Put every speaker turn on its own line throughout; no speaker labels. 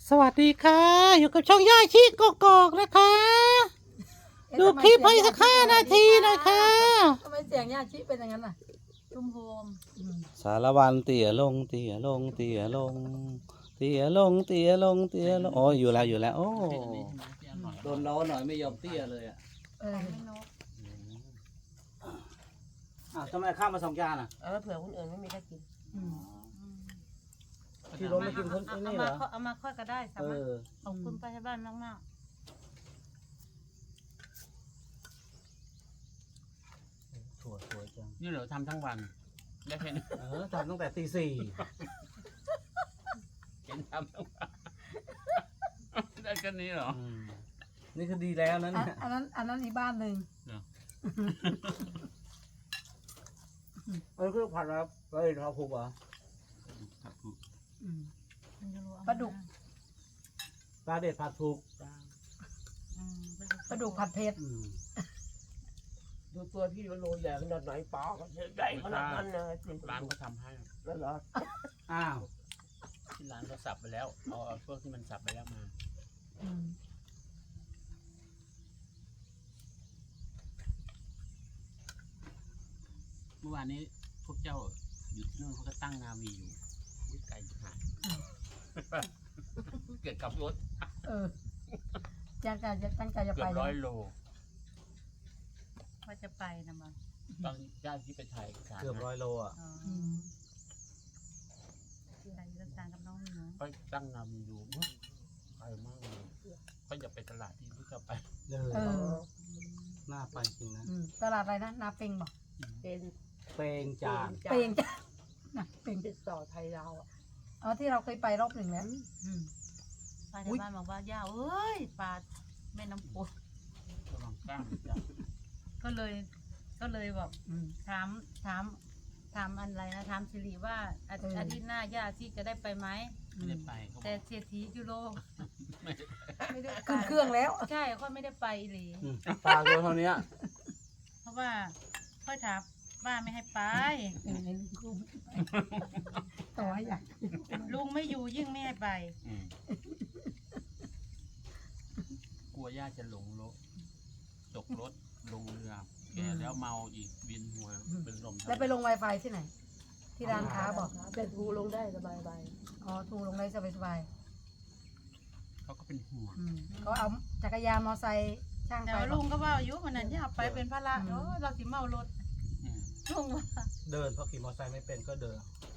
สวัสดีค่ะอยู่กับช่องย่าชีกกอกนะคะดูคลิปให้สัก5 นาทีนะคะ
ทำไมเสียงย่าชิเป็นอย่างนั้นน่ะตุ้มโฮม
สารวันเตี่ยลงเตี่ยลงเตี่ยลงเตี่ยลงเตี่ยลงเตี่ยลงโอ้อยู่แล้วโอ้โดนล้อหน่อยไม่ยอมเตี้ยเลยอ่ะ
ไม่นก
ทำไมข้ามมา2 จานอ่ะ
เอาเผื่อคนอื่นไม่มีได้กิน
ที่รถไม่กินคนนี่เหรอ
เอามาค่อยก็ได้สามารถขอบคุณป้าที่บ้านมาก
ถั่วสวยจัง
นี่เหรอทำทั้งวันได้แค่นี้
ทำตั้งแต่ตี 4
เห็นทำทั้งวันได้แค่นี้เหรอ
นี่คือดีแล้วนะเนี่ย
อันนั้นอีกบ้านหนึ่ง
มันคือผัดครับเฮ้ยเราผูกเหรอ
ปลาดุก
ปลาเด็ดผัดผูก
ปลาดุกผัดเผ็ด
ดูตัวพี่ว่าโลใหญ่ขนาดไหนปลาก็ใหญ่ขนาดนั้นเลยเป็น
ร้านเขาทำให้
แล้วเหรอ
อ้าว
ที่ร้านเขาสับไปแล้วเอาพวกที่มันสับไปแล้วมา เมื่อวานนี้พวกเจ้าอยู่ที่นู่นเขาก็ตั้งนาวีอยู่อุ๊ยไกลจิ๋หายเกิดกับรถ
ตั้งใจจะ
เกื
ไป
อบ100 โล
ว่าจะไปนะมั้ง
ตอนญาติที่ไปถ่ายเอกสาร
เกือบ100 โลอ่ะ
ไปรักษากับน้องหนู
ก็ตั้งนาวีอยู่ไกลมากเลยก็อย่าไปตลาดที่พวกเจ้าไป
น่าไปจริงนะ
ตลาดอะไรนะนาเปงบอก
เป็น
เปงจาน
เปงจ้ะนะเปง
ติดต่อไทยเราอ่ะ
อ๋อที่เราเคยไปรอบหนึ่งแล้ว
ป้าที่บ้านบอกว่าย่าเอ้ยปลาแม่น้ำโขง
ระวังกล้ามจ้ะ
ก็เลยบอกถามอะไรนะถามสิริว่าอาทิตย์หน้าย่าที่จะได้ไปไหม
ไม่ได้ไปเขาบ
แต่
อก
เศรษฐียูโร
ไม่ได้
ไม่ได้ไป
ขึ้นเครื่องแล้ว
ใช่ค่อยไม่ได้ไปเลย
ปลาตัวเท่านี้
เพราะว่าค่อยถามว่าไม่ให้ไป
ต่อให้ใหญ่
ลุงไม่อยู่ยิ่งไม่ให้ไป
อืมกลัวญาติจะหลงรถตกรถลงเรือแกแล้วเมาอีกวินหัวเป็นลม
แล้วไปลง Wi-Fi ที่ไหน ที่ร้านค้าบอก
แต่ทูลงได้สบาย
อ๋อถูกลงได้สบาย
เขาก็เป็นห่วง
ๆเขาเอาจักรยานมอไซค์ช่าง
แต่
ไป
ว่าลุงก็ว่าอายุมันนั้นอย่าไปเป็นภาระเนาะเราสิเมารถ
อืม
ลุงว่า
เดินเพราะขี่มอเตอร์ไซค์ไม่เป็นก็เดิน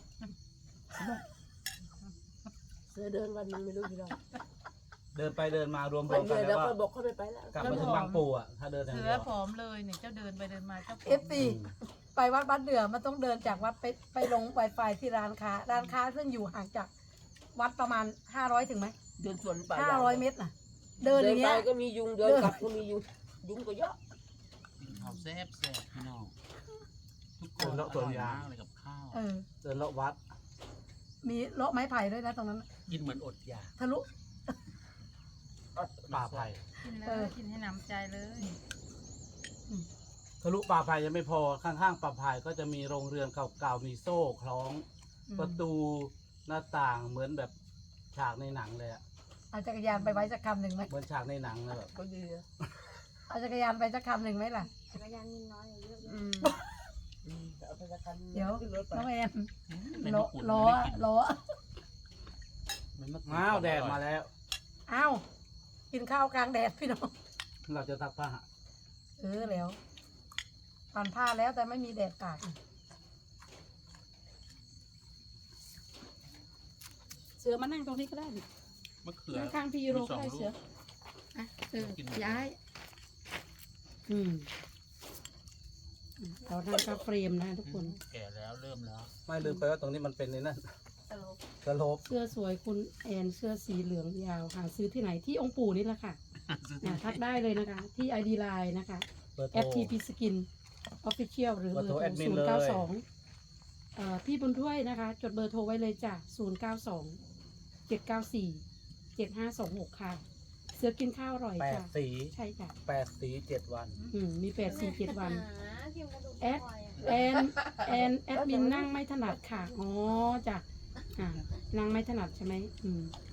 ๆเสือเดินวันมันไม่รู้กี่รอบ
เดินไปเดินมารวม
วัน
ๆ
เดี
กั
ย
น
ว
แล้
แล้ว ว
ก็
ก็บอกเขาไม่ไปแล้ว
กลับมาถึงบางปูอ่ะ ถ้าเดินอย่าง
เสื
เดี
อ
ยว
ผอมเลยเนี่ยเจ้าเดินไปเดินมาเจ้าผอม
เอฟซีไปวัดบ้านเดือมันต้องเดินจากวัดไปลง Wi-Fi ที่ร้านค้า ร้านค้าซึ่งอยู่ห่างจากวัดประมาณ500ถึงไหม
เดินสวนไป
500 เมตรน่ะ เดินอย่าง
ไป
เงี้ย
ก็มียุงเดินกลับก็มียุงยุงก็เยอะ
กินข้าวแซ่บพี่น้องทุกค
เดิ
น
นเลาะสวนยาง
อร่อยมากเลยกับข้าว
เดินเลาะวัด
มีเลาะไม้ไผ่ด้วยนะตรงนั้นน่ะ
กินเหมือนอดอยาก
ทะลุ
ป่าไผ่
กินเลยกินให้หนำใจเลย
ทะลุป่าไผ่ยังไม่พอ ข้างๆป่าไผ่ก็จะมีโรงเรือนเก่าๆ มีโซ่คล้อง ประตูหน้าต่างเหมือนแบบฉากในหนังเลยอ่ะ
เอาจักรยานไปไว้สักคำหนึ่งไหม
เหมือนฉากในหนังเลยแบบ
ก็ดีอะ
เอาจักรยานไปสักคำหนึ่งไหมล่ะ
จักรยานน้อยเยอะ
เอาไปสักคัน
เดี๋ยว
ขึ้นรถไป
น้องแอน
ไม่
ล้อ
มะกรูด
ล้อ
ไม่ได้กิน
ล้อ
ไม่มะกรู
อ้าวแดดมาแล้ว
อ้าวกินข้าวกลางแดดพี่น้อง
เราจะซักผ้า
แล้วปั่นผ้าแล้วแต่ไม่มีแดดตาก
เสือมานั่งตรงนี้ก็ได้
มะเขือ
นั่งข้างพี่ยูโรก็ได้เสืออ่ะย้ายเรานั่งกับเฟรมนะทุกคน
แก่แล้วเริ่มแล้ว
ไม่ลืมไปว่าตรงนี้มันเป็นในนั่นสโลป
เสื้อสวยคุณแอนเสื้อสีเหลืองยาวหาซื้อที่ไหนที่องค์ปู่นี่แหละค่ะทักได้เลยนะคะ ที่ ID Line นะคะ
เบอร์โทร
FTP Skin Official หรือเบอร์โทร
แอดมินเลย
092พี่บุญถ้วยนะคะ จดเบอร์โทรไว้เลยจ้ะ092 794 7526 ค่ะ เสือกินข้าวอร่อย
8
จ้ะ
สี
ใช่จ้ะ
8 สี 7 วัน
มี8-4-7 วัน แอดมินนั่งไม่ถนัดค่ะ อ๋อจ้ะนั่งไม่ถนัดใช่ไหม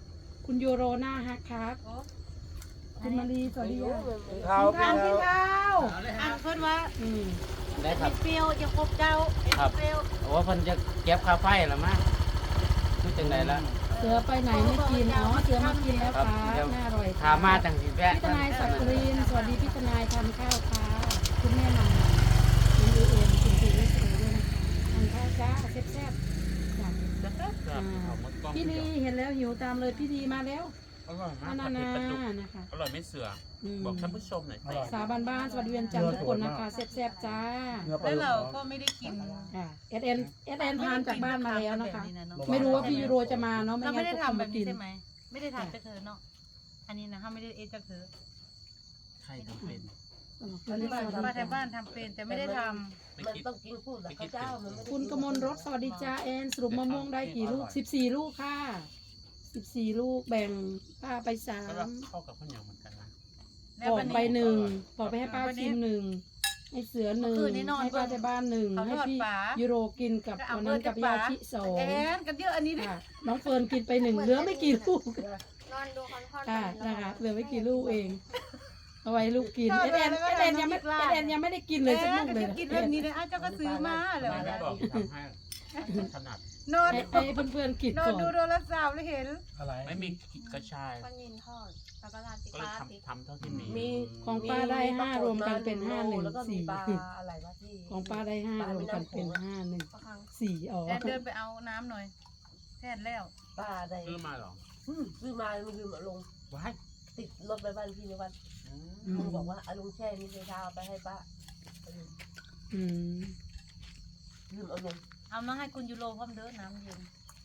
คุณยูโรหน้าฮักครับ
โอ้
คุณมารีสวัสดีค่ะ
ข้าว
กินข้าว
เอาเลย
อั
ฮะ
นเพิ่นว่า
อืม
ได้ครับ
เปรี้ยวจะครบเจ้าเปรี้ยว
โอ้เพิ่นจะเก็บค่าไฟแล้วมั้งคือจังไดล่ะ
เสือไปไหนไม่กินอ๋อเสือมากินแล้วครับ
ครับ
น่าอร่อย
ถามมาจังสิแวะ
พี่ทนายสักกรีนสวัสดีพี่ทนายทานข้าวค่ะคุณแม่มาคุณเอ็นคุณพีเอสโอด้วยนะคะทานข้าวจ้าแซ่บๆจ้ะ
ครับเอาหมดกล้อง
พี่ลีเห็นแล้วหิวตามเลยพี่ลีมาแล้ว
อร่อยมาก
นา
ผัด
นา
เผ็ดปลาดุก
นะคะ
อร่อยไม่เสือ
อืม
บอกท่านผู้ชมหน่อยสิ
สาวบ้านๆสวัสดีวันจันทร์ทุกคนนะคะแซ่บๆจ้า
แล้วเราก็ไม่ได้กิน
เอสเอ็นทานจากบ้านมาแล้วนะคะ
เนาะ
ไม่รู้ว่าพี่ยูโรจะมาเนาะไม่
เรา
งั้
ไม่
น
ได้
ก็คง
ทำแบ
มา
บ
กิ
นี้
น
ใช่ไหมไม่ได้ทำจากเธอเนาะอันนี้นะเขาไม่ได้เอจากเธอ
ใครทำเป็น
ป้าแถวบ้านทำเป็นแต่ไม่ได้ท
ไม่
มัน
คิด
ต้องกินพูดกับข้าวเจ้ามันไม่ได้
คุณกมลรถสวัสดีจ้าแอนสรุปมะม่วงได้กี่ลูก14 ลูกค่ะ14 ลูกแบ่งป้าไป
ก็แบบ
3
เข้ากับข้าวเหนียวเหมือนกันนะ
ำ
ปอกไป1ปอกไปให้ป้าชิม1ให้เสือ1ให้ป้าที่บ้าน1ให้พี่ยูโรกินกับวันนั้นกับยาชิ2
แอนกันเยอะอันนี้ด้วย
ค่ะน้องเฟิร์นกินไป1เหลือไม่กี่ลูก
นอนดูคอนทอน
ค่ะนะคะเหลือไม่กี่ลูกเองเอาไว้ลูกกินเอสเอ็นยังไม่ได้กินเลยสักลูกเลย
กินแบบนี้เลยอ้าวเจ้าก็ซื้อมาเลย
ไม่ได้บอกทำให้ถนัด
นอน
ให้เพื่อนๆกิน
นอ
ก่
น
อน
ดูโทรศัพท์แล้วเห็น
อะไร
ไม่มีกระชาย
ปลานินทอดแล้วก็ราดพริก
ก็เลย
ราดพริก
ทำเท่าที่มี
มี
ของป้าได้5รวมกันเป็น
แล้วก็มีปลา
514
อะไรวะที่
ของป้าได้5รวมกันเป็น
ปลาคัง
514อ๋อ
แอนเดินไปเอาน้ำหน่อยแทนแล้ว
ปลาอะไร
ซื้อมาเหรอ
ซื้อมามันลืมเอาลง
ว้าย
ติดรถไปบ้านพี่ในวัน
อื
ลุง
ม
บอกว่าเอาลุงแช่นี่เช้าเอาไปให้ป้า
อืม
ลืมเอาลง
เอามาให้คุณยูโรพร้อมเด้อน้ำเย็น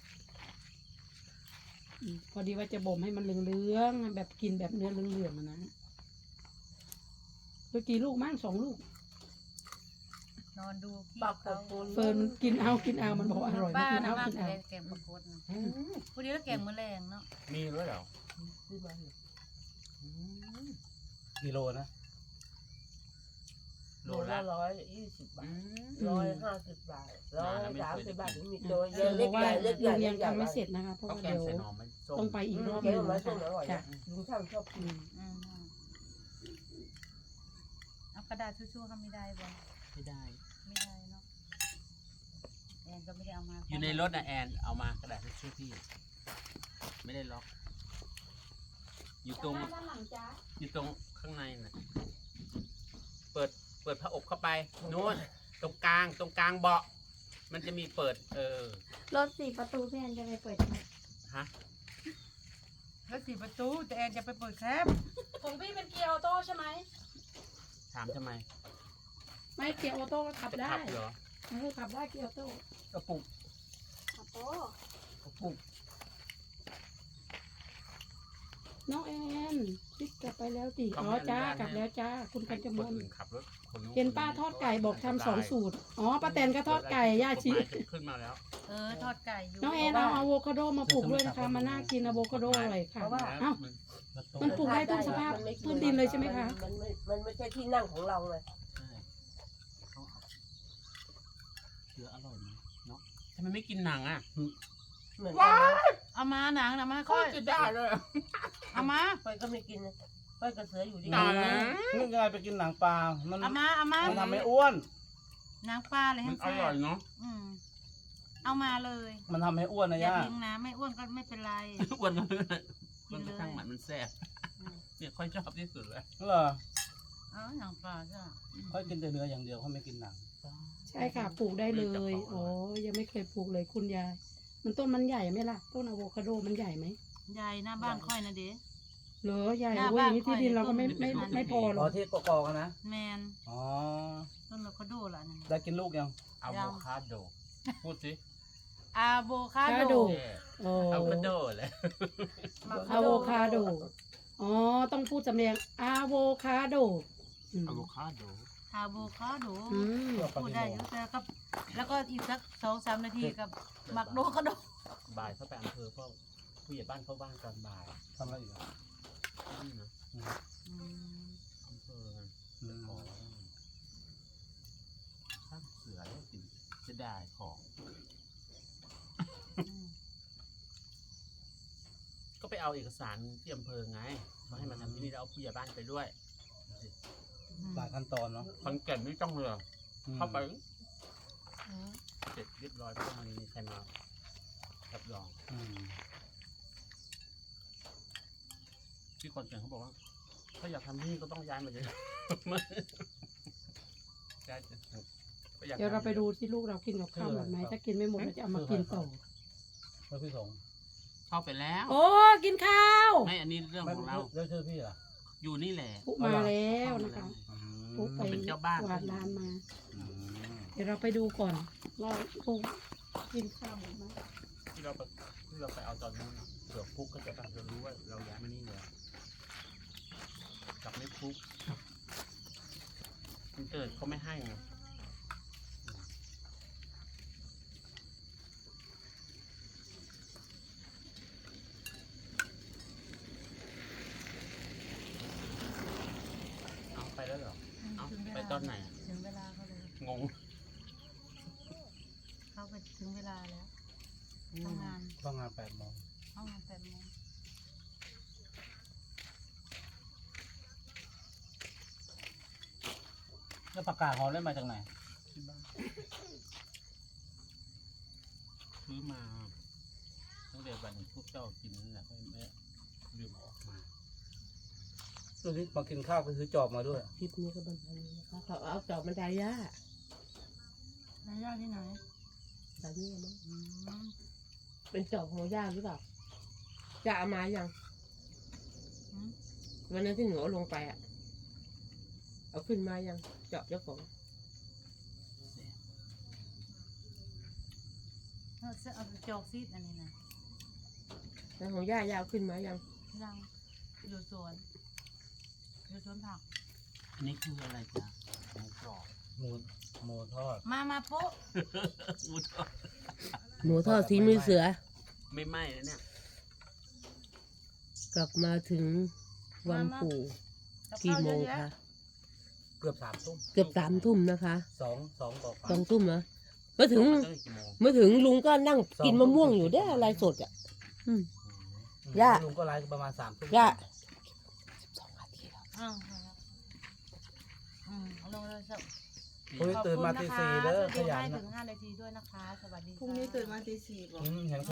พอดีว่าจะบ่มให้มันเหลืองๆแบบกินแบบเนื้อเหลืองๆอะนะเมื่อกี่ลูกมั่ง2 ลูก
นอนดูพี่
ปลา
เขา
โคน
เฟิร์นมันกินเอามันบอกอร่อย
บ้า
กิน
นะ
เอา
บ้า
กินเอา
แกงปลากดนะพอดีแล้วแกงมื้อแรงเนาะ
มีด้วยเหรอ
ซื้อมาเนี่ย
กิโลนะ
โล
โล
ละ
ละ120 บาท
อืม
150 บาท130 บาทมีตัวเยอะ
บ
เล็
อก
ก
ว่า
ใหญ่เล็กใหญ่
ลุง
เล็
ยั
ก
ง
ใหญ่
ทำไม่เสร็จนะคะเพราะ
เขา
ว่า
แกง
เดี๋ยว
ใส่หน่อไม้ส้ม
ต้องไปอีกรอบ
แก
หนึ
ง
ง
ไม้
นะ
ส้ม
คะ
อร่อย
จ้ะ
ลุงช่างชอบกิน
อืมเอากระดาษชู่ๆทำไม่ได้บ่
ไม่ได้
ไม่ได้เนาะแอนก็ไม่ได้เอามา
อยู่ในรถนะแอนเอามากระดาษทิชชู่พี่ ไม่ได้ล็อก อยู่ตรง
ด้านหลังจ้า
อยู่ตรงข้างในน่ะ เปิดผ้าอบเข้าไปนู้นตรงกลางเบาะ มันจะมีเปิด
รถ4 ประตูพี่แอนจะไปเปิดไหม
ฮะ
แล้ว4 ประตูแต่แอนจะไปเปิดแคบ
ของพี่เป็นเกียร์ออโต้ใช่ไหม
ถามทำไม
ไม่เกียร์ออโต้ขับ
จะ
ได้
ขับเหรอ
ขับได้เกียร์ออโต้
กระปุก
โอ้โห
กระปุก
น้องแอนพลิกกลับไปแล้วติอ๋อจ้ากลับแล้วจ้าคุณกัญจม
คน
ล
อื่นขับรถคนนู้
เห็นป้าทอดไก่บอกทำ2 สูตรอ๋อป้าแตนก็ทอดไก่ย่าชิ
กฎหมยจะขึ้นมาแล้ว
ทอดไก่อยู่
น้องแอนเอาอะโวคาโดมาปลูกด้วยนะคะมาน่ากินอะโวคาโดอร่อยค่ะ เอ้า มันปลูกได้ทุกสภาพพื้นดินเลยใช่ไหมคะ
มันไม่ใช่ที่นั่งของเราเลย
ใช่เขาเอาเสืออร่อยไหมเนาะทำไมไม่กินหนังอ่ะ
เหมือนกันนะ
เอามาหนังนะมา
ก็
ค่อย
จะได้เลย
เอามา
ค่อยก็ไม่กินนะค่อยกับเสืออยู่ดี
หนัง
นี่ไงไปกินหนังปลา มัน
เอามา
ทำให้อ้วน
หนังปลาเลย
มั
ให้
นอ
แซ่
ร่อย
บ
เนาะ
เอามาเลย
มันทำให้อ้วนนะ
อย่า
ย่า
ทิ้งนะไม่อ้วนก็ไม่เป็นไร
อ้วนเลย
กิ
มัน
นเลย
ข้างหมันมันแซ่บ
อืม
เนี่ยค่อยชอบที่สุดเลย
เหรอ
เอาหนังปลาจ้ะ
เขากินแต่เนื้ออย่างเดียวเขาไม่กินหนัง
ใช่ค่ะปลูกได้เลยอ๋อยังไม่เคยปลูกเลยคุณยายมันต้นมันใหญ่ไหมล่ะต้นอะโวคาโดมันใหญ่ไหม
ยายหน้าบ้านค่อยนะเด้
เหรอใหญ่
หน้า
โอ้ย
บ้า
อน ย่างนี้ที่ดินเราก็ไม่
ค่อยต้น
ไม่พอหร
ร
อ
อก ที่กอกๆกันนะ
แมน
อ๋อ
ต้นอะโวคาโดล่ะนั่น
ได้กินลูกยัง
อะโวคาโด พูดสิ
อะโวคาโด
โอ้
อะโวคาโดเลย
อะโวคาโดอ๋อต้องพูดสำเนียงอะโวคาโดอืม
อะโวคาโด
อะโวคาโด
อืม
พูดได้เยอะแต่ก็แล้วก็อีกสัก2-3 นาทีกับหมักโดคาโด
บ่ายเข้าไปอำเภอเพราะผู้ใหญ่บ้านเข้าบ้านตอนบ่าย
ทำอะไรอีกอ่ะ
นี่นะ
อืม
อำเภอ
อืม
ขอสร้างเสือแล้วกินจะได้ของ ก็ไปเอาเอกสารที่อำเภอไงมาให้มาทำที่นี่แล้วเอาผู้ใหญ่บ้านไปด้วย
หลายขั้นตอนเนาะ
คอนแก่นไม่ต้องเลย
อืม
เข้าไปเสร็จเรียบร้อยไม่ต้องมีใครมารับรอง
อืม
ที่คอนแก่นเขาบอกว่า ถ้าอยากทำที่นี่ก็ต้องย้ายมาเลยย้ายก็อยาก
เดี๋ยวเราไปดูที่ลูกเรากินกับข้าวหมดไหมถ้ากินไม่หมดเราจะเอามากินต่อ
แล้วพี่สงฆ์
เข้าไปแล้ว
โอ้กินข้าว
ไม่อันนี้เรื่องของเรา
แล้วชื่อพี่ล่ะ
อยู่นี่แหละ
ปุ๊มาแล้วนะคะ
อืม
ปุ๊ไป
เป็นเจ้าบ้าน
กวาดร้านมา
อืม
เดี๋ยวเราไปดูก่อนว่าลูกกินข้าวหมดไหม
ที่เราไปเอาตอนนู้นน่ะเผื่อฟุกก็จะแบบจะรู้ว่าเราย้ายมานี่เลยกลับไม่ฟุกมันเกิดเขาไม่ให้ไงเอาไปแล้วเหรอ เอา
ถึงเวลา
ไปตอนไหนอะ
ถึงเวลาเขาเลย
งง
เข้าไปถึงเวลาแล้วทำงาน
ต้องงาน8 โมง
เข้างาน8 โมง
แล้วประกาศหอมได้มาจากไหน
ที่บ้านซื้อมาตั้งแต่วันพวกเจ้ากินนั่นแหละไม่ลืมเอาออกมา
ตัวนี้มากินข้าวก็ซื้อจอบมาด้วย
คลิปนี้ก็บันเทิงนะคะเขาเอาจอบบันไดย่าน
ายย่าที่ไหน
แบบนี้มั้ง
อืม
เป็นจอบของย่าหรือเปล่าจะเอามายัง
อืม
วันนั้นที่หนูเอาลงไปอ่ะ เอาขึ้นมายังจอบเจ้าของ
เอาไปจอกซีดอันนี้นะ
แล้วของย่าเอาขึ้นมายัง
ยังอยู่สวนผัก
อันนี้คืออะไรจ๊ะหมูกรอบ
หมูทอด
มาโป๊ะ
หมูทอด
หนูทอดสีมือเสือ
ไม่ไหม้แล้วเนี่ย
กลับมาถึงวังปู่
กับ
กี่
ข้าว
โม
เยอะ
ง
แยะ
คะ
เกือบ3 ทุ่ม
เกือบ3 ทุ่มนะคะ
2 กว่า
2 ทุ่มเหรอมาถึง
ตั้งแต่กี่โมง
มาถึงลุงก็นั่งกินมะม่วงอยู่ได้อะไรสดอ่ะ ย่า
ลุงก็ไลฟ์ประมาณ3 ทุ่ม
ย่า
อ้าวเอาละเอาลงเลยสัก
พรุ่งนี้ตื่นมาตี 4เด้อขยัน
ให้
นะ
ถึง5 นาทีด้วยนะคะ สวัสดี
พรุ่งนี้ตื่นมาตี 4บอก
เห็น